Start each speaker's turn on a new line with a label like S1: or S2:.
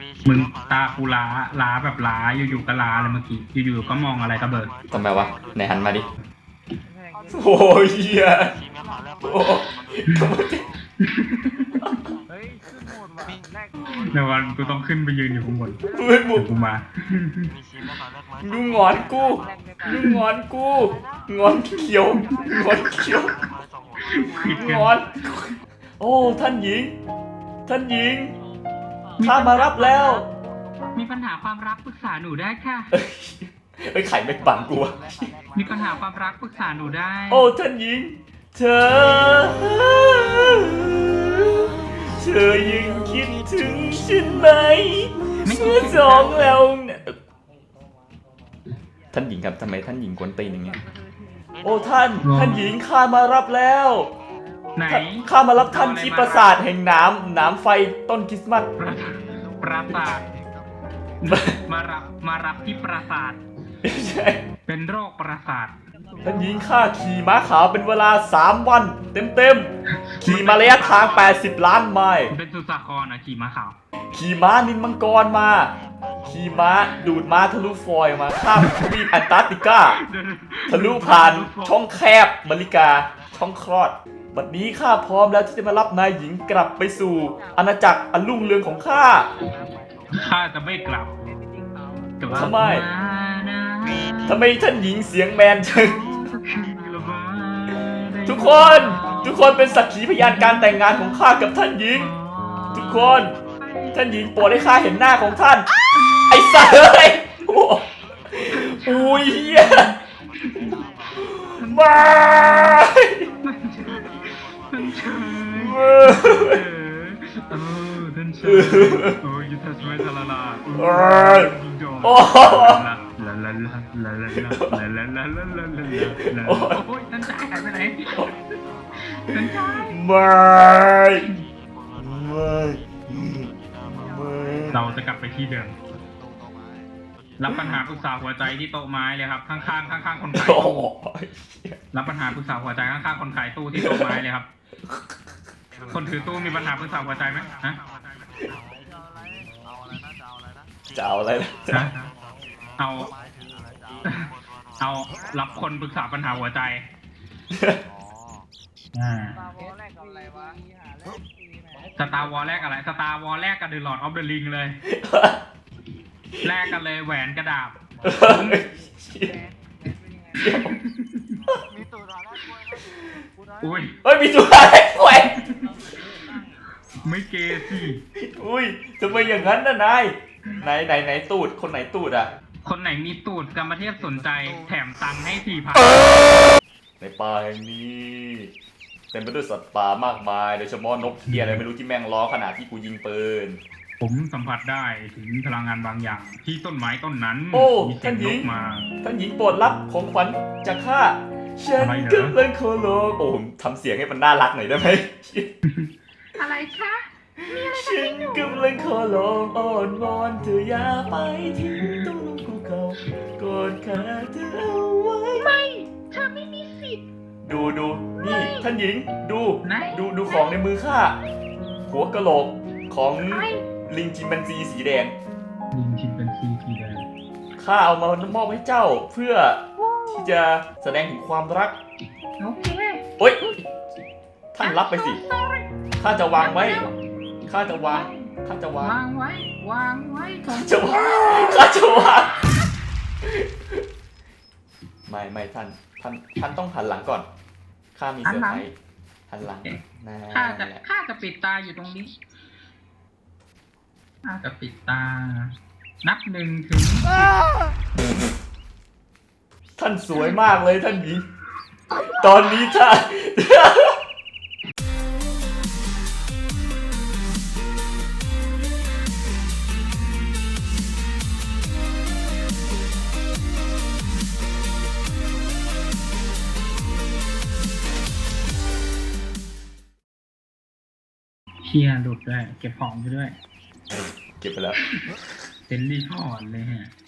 S1: มึงตากูล้าแบบล้าอยู่ๆก็ล้าเลยเมื่อกี้อยู่ๆก็มองอะไรกระเบิด
S2: ทำไมวะไหนหันมาดิโอ้ยเหี้ยโอ้
S3: เฮ้ยขึ้นโหมดว่ะแรก
S1: ในวันกูต้องขึ้นไปยืนอยู่ข้างบน
S2: เฮ้ยมึ
S1: เดี๋
S2: ง
S1: ยวกูมา
S2: ดูงอนกูดูงอนกูงอนเขียวงอนเขียว
S1: คิดกัน
S2: งอนโอ้ท่านหญิงท่านหญิงข้ามารับแล้ว
S1: มีปัญหาความรักปรึกษาหนูได้ค่ะ
S2: เฮ้ยไข่ไม่ปังกูอะ
S1: มีปัญหาความรักปรึกษาหนูได้
S2: โอ้ท่านหญิงเธอยังคิดถึงฉันไหมเมื่อสองแล้วเนี่ยท่านหญิงครับทำไมท่านหญิงกวนตีนอย่างเงี้ยโอ้ท่านหญิงข้ามารับแล้ว
S1: ไหน
S2: ข้ามารับท่านที่ปราสาทแห่งน้ำไฟต้นคริสต์มาส
S1: ปราสาทมารับที่ปราสาท
S2: ใช่
S1: เป็นโรคปราสาท
S2: ท่านหญิงข้าขี่ม้าขาวเป็นเวลา3 วันเต็มๆขี่มาระยะทาง80 ล้านไมล์
S1: เป็นสุสาครนะขี่ม้าขาว
S2: ขี่ม้านินมังกรมาขี่ม้าดูดม้าทะลุฟอยล์มาข้ามทวีปแอนตาร์กติกาทะลุผ่านช่องแคบมาริกาช่องคลอดบัดนี้ข้าพร้อมแล้วที่จะมารับนายหญิงกลับไปสู่อาณาจักรอันรุ่งเรืองของข้า
S1: ข้าจะไม่กลับ
S2: ทำไม ทำไมท่านหญิงเสียงแมนจังทุกคนเป็นสักขีพยานการแต่งงานของข้ากับท่านหญิง ทุกคนท่านหญิงโปรดให้ข้าเห็นหน้าของท่าน ไอ้สัสเอ้ยอุ้ยเฮียมา
S1: ท่านเชยท่านเชยโอ้ยยุทธสมัยทาราลาโอ้ลาลาลาลาลาลาลาลาลาลาลาลาลาโอ้ยท่านชายหายไปไหนท่านชาย
S2: ไม่
S1: เราจะกลับไปที่เดิมรับปัญหาปรึกษาหัวใจที่โต๊ะไม้เลยครับข้างๆคนขาย
S2: โอ้
S1: ตู้
S2: ย
S1: รับปัญหาปรึกษาหัวใจข้างๆคนขายตู้ที่โต๊ะไม้เลยครับคนถือตู้มีปัญหาปรึกษาหัวใจไหมฮะ
S2: จะเอาอะไรนะ
S1: ฮะเอารับคนปรึกษาปัญหาหัวใจสตาร์วอลแรกอะไรสตาร์วอลแรกกับเดอะลอร์ดออฟเดอะริงเลยแลกกันเลยแหวนกระดาบ
S3: มีตัวร้านแรกด้วยนะ
S1: อุ้ย
S2: เฮ้ยมีตัวอะไรแหวน
S1: ไม่เกย์สิ
S2: อุ้ยทำไมอย่างนั้นน่ะนายไหนตูดคนไหนตูดอ่ะ
S1: คนไหนมีตูดกรรมเทพสนใจแถมตังค์ให้
S2: ในป่าแห่งนี้เต็มไปด้วยสัตว์ป่ามากมายโดยเฉพาะนกเทียอะไรไม่รู้ที่แม่งร้องขนาดที่กูยิงปืน
S1: 4,000ผมสัมผัสได้ถึงพลังงานบางอย่าง ที่ต้นไม้ต้นนั้น
S2: โอ้
S1: มีเสียงนกมา
S2: ท่านหญิงโปรดรับของขวัญจากข้าฉัน
S1: อะไรเหรอ
S2: กำลังขอร้องโอ้ผมทำเสียงให้มันน่ารักหน่อยได้ไหม
S1: อะไรคะ
S2: ฉันกำลังขอร้องอ้อนวอนเธออย่าไปทิ้งตัวลงภูเขากอดขาเธอเอาไว้ไม่เธอไม่มีสิทธิ์ดูนี่ท่านหญิงดูของในมือข้าหัวกะโหลกของลิงจิมแปนซีสีแดง
S1: ลิงชิมเป็นซีสีแดง
S2: ข้าเอามามอบให้เจ้าเพื่อที่จะแสดงถึงความรัก
S1: โอเค
S2: โอ๊ยท่านรับไปสิข้าจะวางไว้ข้าจะวางก่อน
S1: วางไว้ก่อน
S2: จะวางไม่ท่านต้องหันหลังก่อนข้ามีเซอร์ไพรส์หันหลังนะ
S1: ข้าจะปิดตาอยู่ตรงนี้ข้าจะปิดตา นับ1 ถึง
S2: ท่านสวยมากเลยท่านหญิงตอนนี้ท่าน
S1: เชียร์หลุดด้วยเก็บของไปด้วย
S2: เก็บไปแล้ว
S1: เป็นรีพอร์ตเลยฮะ